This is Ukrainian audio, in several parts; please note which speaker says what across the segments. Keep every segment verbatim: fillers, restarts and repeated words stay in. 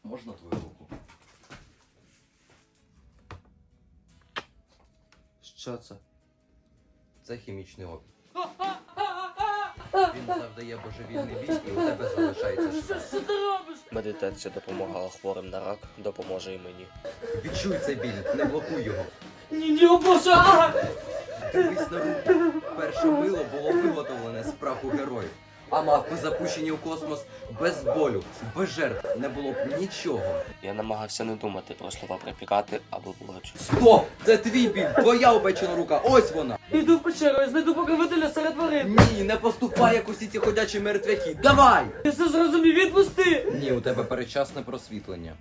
Speaker 1: Можна твою руку?
Speaker 2: Що це?
Speaker 1: Це хімічний опір. Він завдає божевільний біль і у тебе залишається шрам.
Speaker 3: Що ти робиш?
Speaker 2: Медитація допомагала хворим на рак, допоможе і мені.
Speaker 1: Відчуй цей біль, не блокуй його.
Speaker 3: Ні, ні, о боже! А!
Speaker 1: Дивись на руку. Перше мило було виготовлене з праху героїв. А мавпи запущені у космос без болю, без жертв. Не було б нічого.
Speaker 2: Я намагався не думати про слова припікати або плач.
Speaker 1: Стоп! Це твій біль! Твоя опечена рука! Ось вона!
Speaker 3: Іду в печеру, я знайду покровителя серед тварин.
Speaker 1: Ні, не поступай, як усі ці ходячі мертвяки! Давай!
Speaker 3: Я все зрозумів, відпусти!
Speaker 1: Ні, у тебе передчасне просвітлення.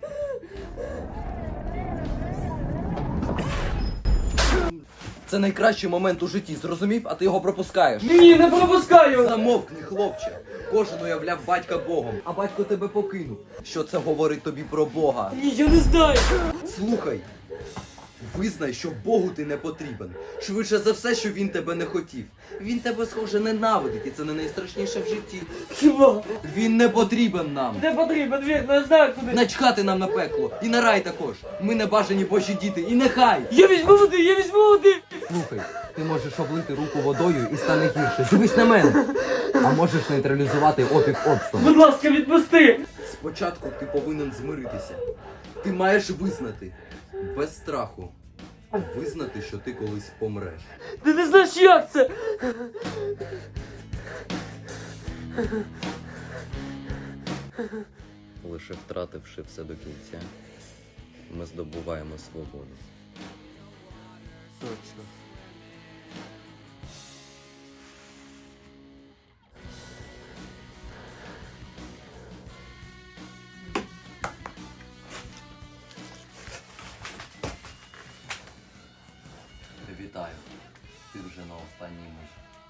Speaker 1: Це найкращий момент у житті, зрозумів? А ти його пропускаєш.
Speaker 3: Ні, не пропускаю!
Speaker 1: Замовкни, хлопче. Кожен уявляв батька Богом, а батько тебе покинув. Що це говорить тобі про Бога?
Speaker 3: Ні, я не знаю!
Speaker 1: Слухай, визнай, що Богу ти не потрібен. Швидше за все, що він тебе не хотів. Він тебе, схоже, ненавидить, і це не найстрашніше в житті.
Speaker 3: Хіба?
Speaker 1: Він не потрібен нам.
Speaker 3: Не потрібен, вірно, я знаю куди.
Speaker 1: Начхати нам на пекло. І на рай також. Ми не бажані Божі діти. І нехай!
Speaker 3: Я візьму води, я візьму води!
Speaker 1: Слухай, ти можеш облити руку водою і стане гірше. Дивись на мене. А можеш нейтралізувати опік обстом.
Speaker 3: Будь ласка, відпусти!
Speaker 1: Спочатку ти повинен змиритися. Ти маєш визнати. Без страху. Визнати, що ти колись помреш.
Speaker 3: Ти не знаєш, як це!
Speaker 1: Лише втративши все до кінця, ми здобуваємо свободу.
Speaker 2: Точно.
Speaker 1: Вітаю. Ти вже на останній межі.